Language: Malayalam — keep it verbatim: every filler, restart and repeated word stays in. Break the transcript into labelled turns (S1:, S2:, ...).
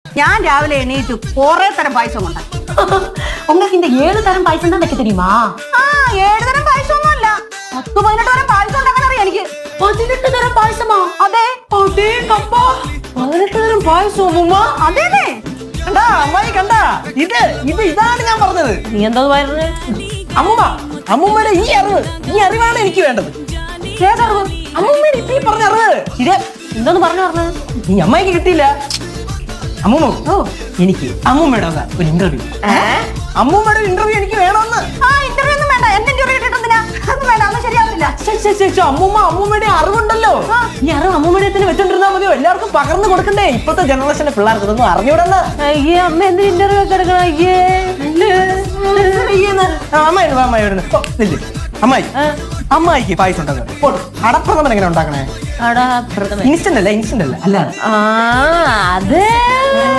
S1: ഞാൻ രാവിലെ എണീറ്റു കുറെ തരം പായസം ഉണ്ടാക്കി.
S2: உங்களுக்கு இந்த ஏழு தரம் பாயசம் தான் வைக்க தெரியுமா?
S1: ആ ഏഴ് തരം പായസം ഒന്നും അല്ല, പത്ത് പതിനെട്ട് തരം പായസം ഉണ്ടാക്കാൻ അറിയാം എനിക്ക്.
S2: பதினெட்டு தரம் பாயசமா?
S1: അതെ
S2: அதே கப்பா பதினெட்டு தரம் பாயസം അമ്മൂമ്മ.
S1: അതെ
S3: കണ്ടാ അമ്മായി കണ്ടാ, ഇത് ഇത് ഇതാണ് ഞാൻ പറഞ്ഞത്.
S2: നീ എന്താ പറയുന്നത്?
S3: അമ്മൂമ്മ, അമ്മൂമ്മയുടെ ഈ അറിവ്, ഈ അറിവാണ് എനിക്ക് വേണ്ടത്.
S2: ഏതറിവ്?
S3: അമ്മൂമ്മയുടെ ഇപ്പൊ ഈ പറഞ്ഞ അറിവ് ഇത്
S2: എന്തോന്ന് പറഞ്ഞു പറഞ്ഞത്?
S3: ഈ അമ്മായിക്ക് കിട്ടിയില്ല. അമ്മൂമ്മ, ഓ എനിക്ക് അമ്മൂമ്മയുടെ വക ഒരു ഇന്റർവ്യൂ. അമ്മൂമ്മയുടെ ഇന്റർവ്യൂ എനിക്ക് വേണമെന്ന്.
S1: ആ ഇന്റർവ്യൂ ഒന്നും വേണ്ട, എന്റെ ഇന്റർവ്യൂ കിട്ടിട്ടെന്തിനാ? അതൊന്നും വേണ്ട, അതൊന്നും ശരിയാവില്ല.
S3: ശ്ശെ, ശ്ശെ, ശ്ശെ, ശ്ശെ, അമ്മൂമ്മ അമ്മൂമ്മയുടെ അറിവുണ്ടല്ലോ, ഈ അറിവ് അമ്മൂമ്മയുടെ തന്നെ വെച്ചോണ്ടിരുന്നാ മതിയോ? എല്ലാവർക്കും പകർന്നു കൊടുക്കണ്ടേ? ഇപ്പോഴത്തെ ജനറേഷന്റെ പിള്ളേർക്ക് ഇതൊന്നും അറിഞ്ഞൂടെന്ന്.
S2: അയ്യേ അമ്മ എന്തിന് ഇന്റർവ്യൂ ഒക്കെ എടുക്കണം? അയ്യേ
S3: അമ്മായി അമ്മായി അമ്മായി അമ്മായിക്ക് പായസം ഉണ്ടാക്കണം. അടപ്രഥമൻ എങ്ങനെ ഉണ്ടാക്കണേ? ഇൻസ്റ്റന്റ് അല്ല, ഇൻസ്റ്റന്റ് അല്ല, അല്ല
S2: ആ അത്